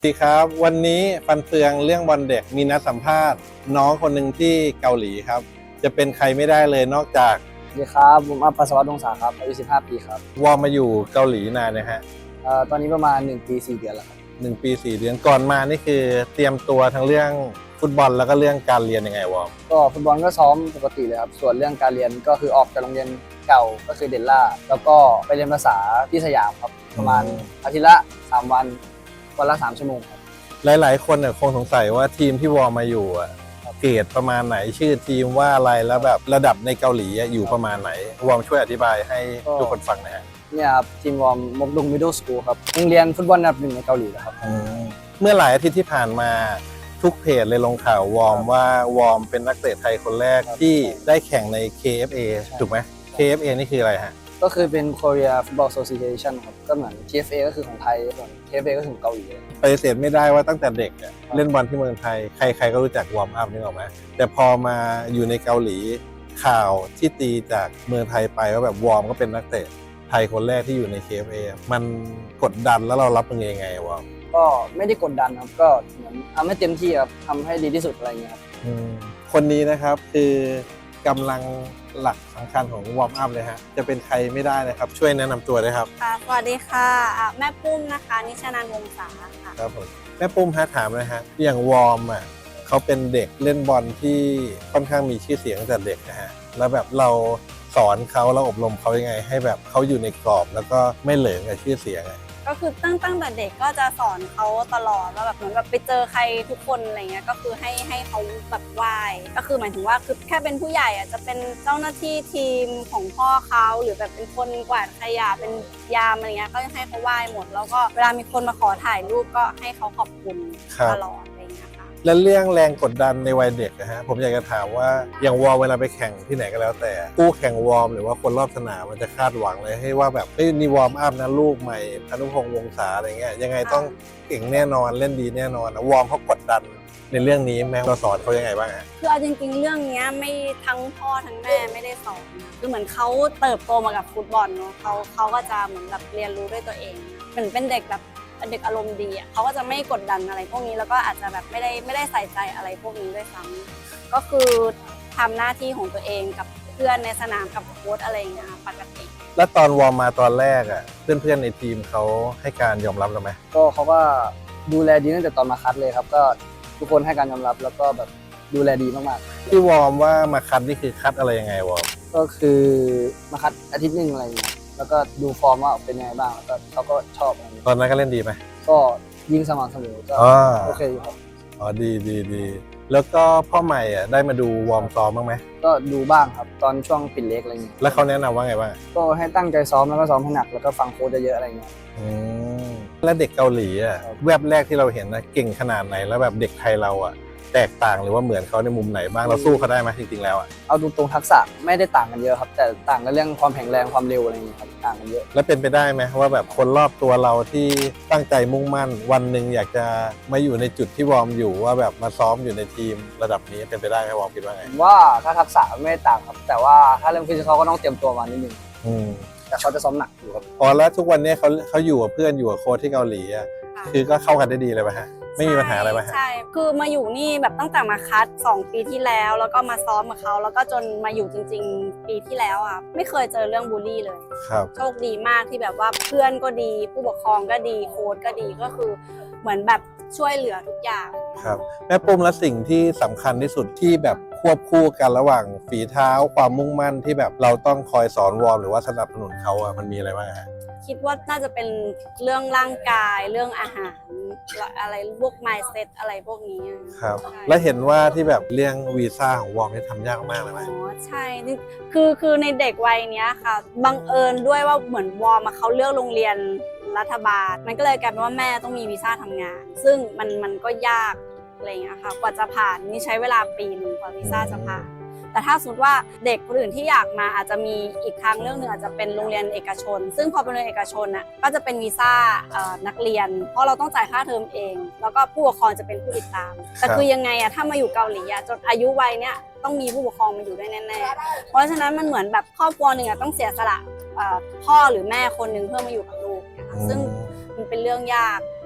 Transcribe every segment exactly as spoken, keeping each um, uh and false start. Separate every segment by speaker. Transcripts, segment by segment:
Speaker 1: สวัสดีครับวันนี้ฟันเฟืองเรื่องบอลเด็กมีนัดสัมภาษณ์น้องคนหนึ่งที่เกาหลีครับจะเป็นใครไม่ได้เลยนอกจาก
Speaker 2: สวัสดีครับผมอัปปัสสวัสดิ์วงศาครับอายุสิบห้าปีครับ
Speaker 1: วอร์มมาอยู่เกาหลีนานนะฮะ
Speaker 2: เอ่อตอนนี้ประมาณหนึ่งปีสี่เดือนแล้วครับ
Speaker 1: หนึ่งปีสี่เดือนก่อนมานี่คือเตรียมตัวทั้งเรื่องฟุตบอลแล้วก็เรื่องการเรียนยังไงวอร์ม
Speaker 2: ก็ฟุตบอลก็ซ้อมปกติเลยครับส่วนเรื่องการเรียนก็คือออกจากโรงเรียนเก่าก็คือเดลล่าแล้วก็ไปเรียนภาษาที่สยามครับประมาณอาทิตย์ละสามวันวันละสามชั่วโมงครับ
Speaker 1: หลายๆคนเนี่ยคงสงสัยว่าทีมที่วอร์มมาอยู่อะเกรดประมาณไหนชื่อทีมว่าอะไรแล้วแบบระดับในเกาหลีอยู่ประมาณไหนวอร์มช่วยอธิบายให้ทุกคนฟังหน่อยฮะ
Speaker 2: เนี่ยครับทีมวอร์มมกดุงมิดเดิลสคูลครับโรงเรียนฟุตบอลอันดับหนึ่งในเกาหลีนะครับ
Speaker 1: เมื่อหลายอาทิตย์ที่ผ่านมาทุกเพจเลยลงข่าววอร์มว่าวอร์มเป็นนักเตะไทยคนแรกที่ได้แข่งใน เค เอฟ เอ ถูกไหม เค เอฟ เอ นี่คืออะไรฮะ
Speaker 2: ก็คือเป็น Korea Football Association ครับก็เหมือน ที เอฟ เอ ก็คือของไทยส่วน เค เอฟ เอ ก็คือของเกาหลี
Speaker 1: ปฏิเสธไม่ได้ว่าตั้งแต่เด็กเล่นบอลที่เมืองไทยใครๆก็รู้จักวอร์มอัพนี่หรอไหมแต่พอมาอยู่ในเกาหลีข่าวที่ตีจากเมืองไทยไปว่าแบบวอร์มก็เป็นนักเตะไทยคนแรกที่อยู่ใน เค เอฟ เอ มันกดดันแล้วเรารับมือยังไงวอร์ม
Speaker 2: ก็ไม่ได้กดดันครับก็เหมือนทำให้เต็มที่ครับทำให้ดีที่สุดอะไรเงี้ยครับ
Speaker 1: คนนี้นะครับคือกำลังหลักสำคัญของวอร์มอัพเลยฮะจะเป็นใครไม่ได้นะครับช่วยแนะนำตัวด้วยครับ
Speaker 3: ค่ะสวัสดีค่ะแม่ปุ้มนะคะนิชานันท์วงศาค่ะ
Speaker 1: ครับผมแม่ปุ้มฮะถามเลยฮะอย่างวอร์มอ่ะเขาเป็นเด็กเล่นบอลที่ค่อนข้างมีชื่อเสียงตั้งแต่เด็กนะฮะแล้วแบบเราสอนเขาเราอบรมเขายังไงให้แบบเขาอยู่ในกรอบแล้วก็ไม่เหลิงกับชื่อเสียง
Speaker 3: ก็คือตั้งตั้งแต่เด็กก็จะสอนเขาตลอดว่าแบบเหมือนแบบไปเจอใครทุกคนอะไรเงี้ยก็คือให้ให้เขาแบบไหว้ก็คือหมายถึงว่าคือแค่เป็นผู้ใหญ่อ่ะจะเป็นเจ้าหน้าที่ทีมของพ่อเขาหรือแบบเป็นคนกวาดขยะเป็นยามอะไรเงี้ยก็ให้เขาไหว้หมดแล้วก็เวลามีคนมาขอถ่ายรูปก็ให้เขาขอบคุณตลอดอะไรเงี้ยค่ะ
Speaker 1: และเรื่องแรงกดดันในวัยเด็กนะฮะผมอยากจะถามว่าอย่างวอร์มเวลาไปแข่งที่ไหนก็แล้วแต่ผู้แข่งวอร์มหรือว่าคนรอบสนามมันจะคาดหวังเลยให้ว่าแบบเฮ้ยนี่วอร์มอัพนะลูกใหม่พานุพงษ์วงศาอะไรเงี้ยยังไงต้องเก่งแน่นอนเล่นดีแน่นอนนะวอร์มเขากดดันในเรื่องนี้แม่เราสอนเขายังไงบ้างฮะ
Speaker 3: คือเอาจริงๆเรื่องนี้ไม่ทั้งพ่อทั้งแม่ไม่ได้สอนคือเหมือนเขาเติบโตมากับฟุตบอลเนาะเขาเขาก็จะเหมือนแบบเรียนรู้ด้วยตัวเองเหมือนเป็นเด็กแบบเด็กอารมณ์ดีอ่ะเขาก็จะไม่กดดันอะไรพวกนี้แล้วก็อาจจะแบบไม่ได้ไม่ได้ใส่ใจอะไรพวกนี้ด้วยซ้ำก็คือทำหน้าที่ของตัวเองกับเพื่อนในสนามกับโค้ชอะไรอย่างเงี้ยปกติ
Speaker 1: แล้วตอนวอร์มมาตอนแรกอ่ะเพื่อนๆในทีมเขาให้การยอมรับเราไหม
Speaker 2: ก็เขาก็ดูแลดีตั้งแต่ตอนมาคัดเลยครับก็ทุกคนให้การยอมรับแล้วก็แบบดูแลดีมาก
Speaker 1: ๆที่วอร์มว่ามาคัดนี่คือคัดอะไรยังไงวอร์ม
Speaker 2: ก็คือมาคัดอาทิตย์หนึ่งอะไรอย่างเงี้ยแล้วก็ดูฟอร์มว่าเป็นยังไงบ้างแล้วก็เขาก็ชอบ
Speaker 1: ตอนนั้นก็เล่นดีไหม
Speaker 2: ก็ยิงสม่ำเสมอก็โอเคอยู่ครับ
Speaker 1: อ๋อดีดีดีแล้วก็พ่อใหม่อ่ะได้มาดูวอร์มซ้อมบ้างไหม
Speaker 2: ก็ดูบ้างครับตอนช่วงปิดเล็กอะไรอย่างเงี้ย
Speaker 1: แล้วเขาแนะนำว่าไงบ้าง
Speaker 2: ก็ให้ตั้งใจซ้อมแล้วก็ซ้อมให้หนักแล้วก็ฟังโค้ชเยอะๆอะไรเงี้ย
Speaker 1: อืมแล้วเด็กเกาหลีอ่ะแวบแรกที่เราเห็นนะเก่งขนาดไหนแล้วแบบเด็กไทยเราอ่ะแตกต่างหรือว่าเหมือนเขาในมุมไหนบ้างเราสู้เขาได้ไหมจริงๆแล้วอ่ะ
Speaker 2: เอาตรงๆทักษะไม่ได้ต่างกันเยอะครับแต่ต่างกันเรื่องความแข็งแรงความเร็วอะไรอย่างเงี้ยครับต่างกันเยอะ
Speaker 1: แล้วเป็นไปได้ไหมว่าแบบคนรอบตัวเราที่ตั้งใจมุ่งมั่นวันหนึ่งอยากจะมาอยู่ในจุดที่วอร์มอยู่ว่าแบบมาซ้อมอยู่ในทีมระดับนี้เป็นไปได้ไหมวอร์มคิดว่าไง
Speaker 2: ว่าถ้าทักษะไม่ต่างครับแต่ว่าถ้าเรื่องฟิสิกอลก็ต้องเตรียมตัวมานิดนึงแต่เขาจะซ้อมหนักอยู่ครับ
Speaker 1: อ๋อแล้วทุกวันนี้เขาเขาอยู่กับเพื่อนอยู่กับโค้ชที่เกาหลีอ่ะคือก็เข้ากันได้ดีเลยป่ะฮะไม่มีปัญหาอะไรป่ะฮะ
Speaker 3: ใช่คือมาอยู่นี่แบบตั้งแต่มาคัดสองปีที่แล้วแล้วก็มาซ้อมกับเขาแล้วก็จนมาอยู่จริงๆปีที่แล้วอ่ะไม่เคยเจอเรื่องบูลลี่เลย
Speaker 1: ครับ
Speaker 3: โชคดีมากที่แบบว่าเพื่อนก็ดีผู้ปกครองก็ดีโค้ชก็ดีก็คือเหมือนแบบช่วยเหลือทุกอย่าง
Speaker 1: ครับแม่ปุ้มและสิ่งที่สำคัญที่สุดที่แบบควบคู่กันระหว่างฝีเท้าความมุ่งมั่นที่แบบเราต้องคอยสอนวอร์มหรือว่าสนับสนุนเขาอ่ะมันมีอะไรบ้างฮะ
Speaker 3: คิดว่าน่าจะเป็นเรื่องร่างกายเรื่องอาหารอะไรพวก mindset อะไรพวกนี้
Speaker 1: ครับและเห็นว่าที่แบบเรื่องวีซ่าของวอร์มนี่ทำยากมากเลยไหม
Speaker 3: อ๋อใช่คือคือในเด็กวัยนี้ค่ะบังเอิญด้วยว่าเหมือนวอร์มเขาเลือกโรงเรียนรัฐบาลมันก็เลยกลายเป็นว่าแม่ต้องมีวีซ่าทำงานซึ่งมันมันก็ยากอะไรอย่างเงี้ยค่ะกว่าจะผ่านนี่ใช้เวลาปีนึงกว่าวีซ่าจะผ่านแต่ถ้าสมมติว่าเด็กคนอื่นที่อยากมาอาจจะมีอีกทางเรื่องหนึ่งอาจจะเป็นโรงเรียนเอกชนซึ่งพอเป็นโรงเรียนเอกชนน่ะก็จะเป็นวีซ่านักเรียนเพราะเราต้องจ่ายค่าเทอมเองแล้วก็ผู้ปกครองจะเป็นผู้ติดตามแต่คือยังไงอะถ้ามาอยู่เกาหลีอะจนอายุวัยเนี้ยต้องมีผู้ปกครองมาอยู่ด้วยแน่ๆเพราะฉะนั้นมันเหมือนแบบครอบครัวหนึ่งอะต้องเสียสละพ่อหรือแม่คนหนึ่งเพื่อมาอยู่กับลูกนะคะซึ่งมันเป็นเรื่องยาก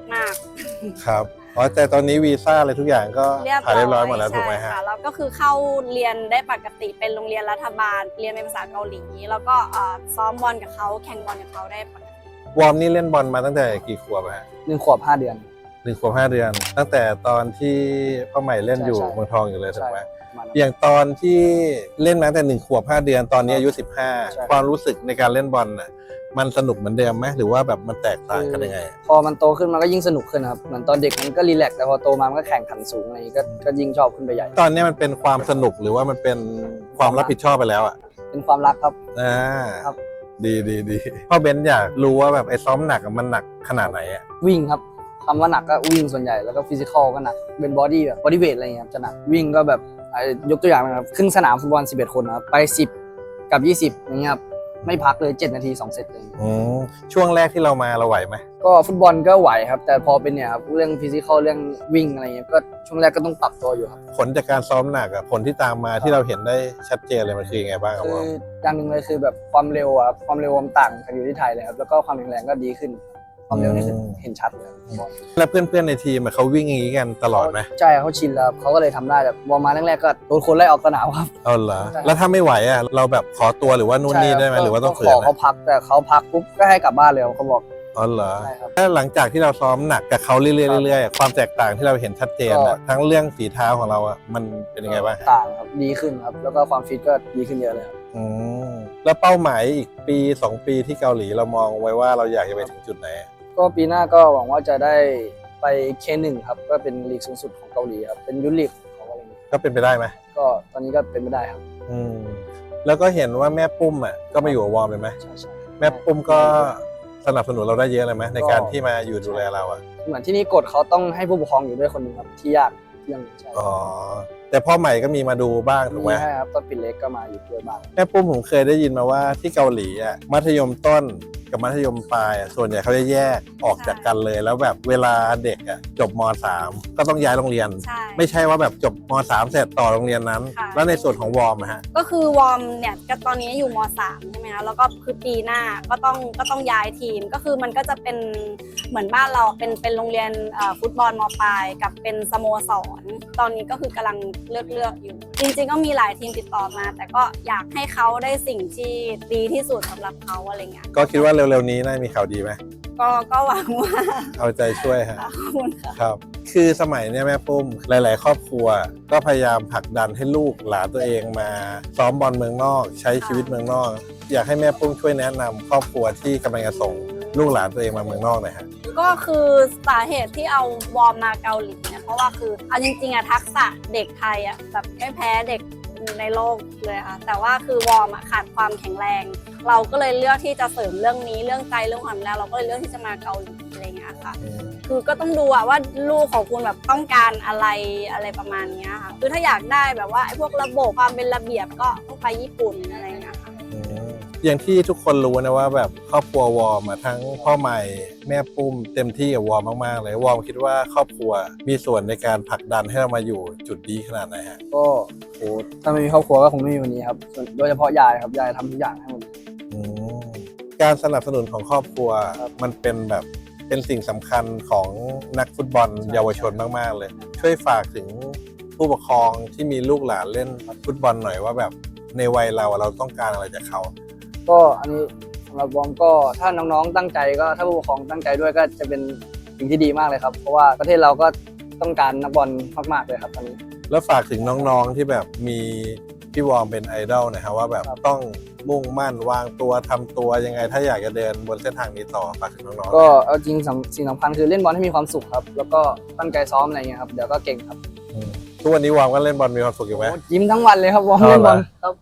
Speaker 3: มาก
Speaker 1: ครับอ๋อแต่ตอนนี้วีซ่าอะไรทุกอย่างก็
Speaker 3: เรียบ
Speaker 1: ผ่าน
Speaker 3: ร้
Speaker 1: เรียบร้
Speaker 3: อ
Speaker 1: อย
Speaker 3: ย
Speaker 1: หมดแล้วถูกไหม
Speaker 3: ใช่
Speaker 1: ฮะ
Speaker 3: ค่ะแล้วก็คือเข้าเรียนได้ปกติเป็นโรงเรียนรัฐบาล เรียนเป็นภาษาเกาหลี แล้วก็เอ่อซ้อมบอลกับเขาแข่งบอลกับเขาได้ปกติ
Speaker 1: วอร์มนี่เล่นบอลมาตั้งแต่กี่ขวบอะฮะ
Speaker 2: หนึ่งขวบห้าเดือน
Speaker 1: หนึ่งขวบห้าเดือน ตั้งแต่ตอนที่พ่อใหม่เล่นอยู่
Speaker 2: ใช่ใช่
Speaker 1: เมืองทองอยู่เลยถูกไหม
Speaker 2: ประมาณนั้น
Speaker 1: อย่างตอนที่เล่นมาตั้งแต่หนึ่งขวบห้าเดือนตอนนี้อายุสิบห้า
Speaker 2: ใช่
Speaker 1: ความรู้สึกในการเล่นบอลน่ะมันสนุกเหมือนเดิมไหมหรือว่าแบบมันแตกต่างกันยังไง
Speaker 2: พอมันโตขึ้นมันก็ยิ่งสนุกขึ้นครับเหมือนตอนเด็กมันก็รีแลกซ์แต่พอโตมามันก็แข่งขันสูงอะไรอย่างงี้ก็ก็ยิ่งชอบขึ้นไปใหญ่
Speaker 1: ตอนนี้มันเป็นความสนุกหรือว่ามันเป็นความรับผิดชอบไปแล้วอ่ะ
Speaker 2: เป็นความรักครับ
Speaker 1: อ่า
Speaker 2: ครับ
Speaker 1: ดีดีดีพ่อเบนซ์อยากรู้ว่าแบบไอ้ซ้อมหนักอะมันหนักขนาดไหนอ่ะ
Speaker 2: วิ่งครับคำว่าหนักก็วิ่งส่วนใหญ่แล้วก็ฟิสิกอลก็หนักเป็นบอดี้แบบบอดี้เวทอะไรอย่างเงี้ยครับจะหนักวิ่งก็แบบอ่ะยกตัวอย่างนะครับครึ่งสนามฟุตบอลสิบเอ็ดคนนะครับไปสิบกับยี่สิบอย่างเงี้ยครับไม่พักเลยเจ็ดนาทีสองเซตเลย
Speaker 1: อืมช่วงแรกที่เรามาเราไหวไหม
Speaker 2: ก็ฟุตบอลก็ไหวครับแต่พอเป็นเนี่ยครับเรื่องฟิสิกอลเรื่องวิ่งอะไรเงี้ยก็ช่วงแรกก็ต้องปรับตัวอยู่ครับ
Speaker 1: ผลจากการซ้อมหนักอะผลที่ตามมาที่เราเห็นได้ชัดเจนเลยมันคือยังไงบ้างครับ
Speaker 2: คือ
Speaker 1: ว่า
Speaker 2: อย่างหนึ่งเลยคือแบบความเร็วอะครับความเร็วมันต่างกันอยู่ที่ไทยเลยครับแล้วก็ความแข็งแรงก็ดีขึ้น ความเร็วนี่คือเห็นชัดเลยครับ
Speaker 1: แล้วเพื่อนๆในทีมอะเขาวิ่งอย่างนี้กันตลอดไหม
Speaker 2: ใช่เขาชินแล้วครับเขาก็เลยทำได้แต่วอร์มมาแรกๆก็โดนคนไล่ออกสนามครับ
Speaker 1: เอาเหรอ
Speaker 2: ใช่
Speaker 1: แล้วถ้าไม่ไหวอะเราแบบขอตัวหรือว่านู่นนี่ได้ไหม
Speaker 2: ใช่คบ
Speaker 1: หรือว่าต้อง
Speaker 2: ก็
Speaker 1: ฝื
Speaker 2: ข
Speaker 1: น
Speaker 2: อเขา
Speaker 1: นะ
Speaker 2: พักแต่เขาพักปุ๊บก็ให้กลับบ้านเลยครับเขาบอก
Speaker 1: อ๋อเหรอ
Speaker 2: ใช่ครับ
Speaker 1: แล้วหลังจากที่เราซ้อมหนักกับเขาเรื่อยๆเรื่อยๆความแตกต่างที่เราเห็นชัดเจนอะ
Speaker 2: ก็
Speaker 1: ทั้งเรื่องฝีเท้าของเราอะมันเป็นยังไงบ้าง
Speaker 2: ต่างครับดีขึ้นครับแล้วก็ความฟิตก็ดีขึ้นเยอะเลยครับ
Speaker 1: อืมแล้วเป้าหมายอีกปีสองปีที่เกาหลีเรามองไว้ว่าเราอยากจะไปถึงจุดไหน
Speaker 2: ก็ปีหน้าก็หวังว่าจะได้ไปเค หนึ่ง ครับก็เป็นลีกสูงสุดของเกาหลีครับเป็นยุทธลีกของเขาอะไรอย่างเงี้ย
Speaker 1: ก็เป็นไปได้ไหม
Speaker 2: ก็ตอนนี้ก็เป็นไม่ได้ครับ
Speaker 1: อืมแล้วก็เห็นว่าแม่ปุ้มอะก็มาอยู่กับวอร์มเลยไหม
Speaker 2: ใช่ใช่
Speaker 1: แม่ปุ้มก็สนับสนุนเราได้เยอะเลยไหมในการที่มาอยู่ดูแลเราอะ
Speaker 2: เหมือนที่นี่กฎเขาต้องให้ผู้ปกครองอยู่ด้วยคนหนึ่งครับที่ยากเรื่องนี้ใช่
Speaker 1: อ๋อแต่พ่อใหม่ก็มีมาดูบ้างถูกไหม
Speaker 2: ใช่ครับตอนปิดเล็กก็มาอยู่ด้วยบ้าง
Speaker 1: แม่ปุ้มผมเคยได้ยินมาว่าที่เกาหลีอ่ะมัธยมต้นกับมัธยมปลายอะส่วนใหญ่เขาจะแยกออกจากกันเลย แล้วแบบเวลาเด็กอ่ะจบม สามก็ต้องย้ายโรงเรียน
Speaker 3: ใช่
Speaker 1: ไม่ใช่ว่าแบบจบม สามเสร็จต่อโรงเรียนนั้น
Speaker 3: ค่ะ
Speaker 1: แล้วในส่วนของวอร์มอะฮะ
Speaker 3: ก็คือวอร์มเนี่ยก็ตอนนี้อยู่ม สามใช่ไหมคะแล้วก็คือปีหน้าก็ต้องก็ต้องย้ายทีมก็คือมันก็จะเป็นเหมือนบ้านเราเป็นเป็นโรงเรียนเอ่อฟุตบอลมปลายกับเป็นสโมสร ตอนนี้ก็คือกำลังเลือกเลือกอยู่ จริงๆก็มีหลายทีมติดต่อมา แต่ก็อยากให้เขาได้สิ่งที่ดีที่สุดสำหรับเขาอะไรเงี้ย
Speaker 1: ก็คิดว่าเร็วๆนี้น่ามีข่าวดีไหม
Speaker 3: ก็ก็หวังว่า
Speaker 1: เอาใจช่วยฮะ
Speaker 3: ขอบคุณค่ะ
Speaker 1: ครับ คือสมัยเนี้ยแม่ปุ้มหลาย ๆ ครอบครัว ก็พยายามผลักดันให้ลูกหลานตัวเองมาซ้อมบอลเมืองนอก ใช้ชีวิตเมืองนอก อยากให้แม่ปุ้มช่วยแนะนำครอบครัวที่กำลังจะส่งลูกหลานตัวเองมาเมืองนอกหน่อยฮะ
Speaker 3: ก็คือสาเหตุที่เอาวอร์มมาเกาหลีเนี่ยเพราะว่าคือเอาจริงๆอะทักษะเด็กไทยอะแบบไม่แพ้เด็กในโลกเลยค่ะแต่ว่าคือวอร์มอะขาดความแข็งแรง เราก็เลยเลือกที่จะเสริมเรื่องนี้เรื่องใจเรื่องความแรงเราก็เลยเลือกที่จะมาเกาหลีอะไรเงี้ยค่ะ คือก็ต้องดูอะว่าลูกของคุณแบบต้องการอะไรอะไรประมาณเนี้ยค่ะคือถ้าอยากได้แบบว่าไอ้พวกระบบความเป็นระเบียบก็ต้องไปญี่ปุ่นอะไรเงี้ยค่ะ
Speaker 1: อืมอย่างที่ทุกคนรู้นะว่าแบบครอบครัววอร์มอะทั้งพ่อใหม่แม่ปุ้มเต็มที่กับวอร์มมากๆเลยวอร์มคิดว่าครอบครัวมีส่วนในการผลักดันให้เรามาอยู่จุดดีขนาดไหนฮะ
Speaker 2: ก็โหถ้าไม่มีครอบครัวก็คงไม่มีวันนี้ครับส่วนโดยเฉพาะยายครับยายทำทุกอย่างให้หมดเลย
Speaker 1: อืมการสนับสนุนของครอบครัว
Speaker 2: ครับ
Speaker 1: มันเป็นแบบเป็นสิ่งสำคัญของนักฟุตบอลเยาวชนมากๆเลย ช่วยฝากถึงผู้ปกครองที่มีลูกหลานเล่นฟุตบอลหน่อยว่าแบบในวัยเราอะเราต้องการอะไรจากเขา
Speaker 2: ก็อันนี้สำหรับวอร์มก็ถ้าน้องๆตั้งใจก็ถ้าผู้ปกครองตั้งใจด้วยก็จะเป็นสิ่งที่ดีมากเลยครับ เพราะว่าประเทศเราก็ต้องการนักบอลมากๆเลยครับตอนนี้
Speaker 1: แล้วฝากถึงน้องๆที่แบบมีพี่วอร์มเป็นไอดอลหนะครับว่าแบบ
Speaker 2: ครับ
Speaker 1: ต้องมุ่งมั่นวางตัวทำตัวยังไง ถ้าอยากจะเดินบนเส้นทางนี้ต่อฝากถึงน้องๆ
Speaker 2: ก็เอาจริงสำสิ่งสำคัญคือเล่นบอลให้มีความสุขครับ แล้วก็ตั้งใจซ้อมอะไรเงี้ยครับเดี๋ยวก็เก่งครับ
Speaker 1: อืมทุกวันนี้วอร์มก็เล่นบอลมีความสุขอยู่ไหม
Speaker 2: โอ้ยิ้มทั้งวันเลยครับวอร์ม
Speaker 1: เอา
Speaker 2: เล่นบอล
Speaker 1: เหรอ
Speaker 2: ครับ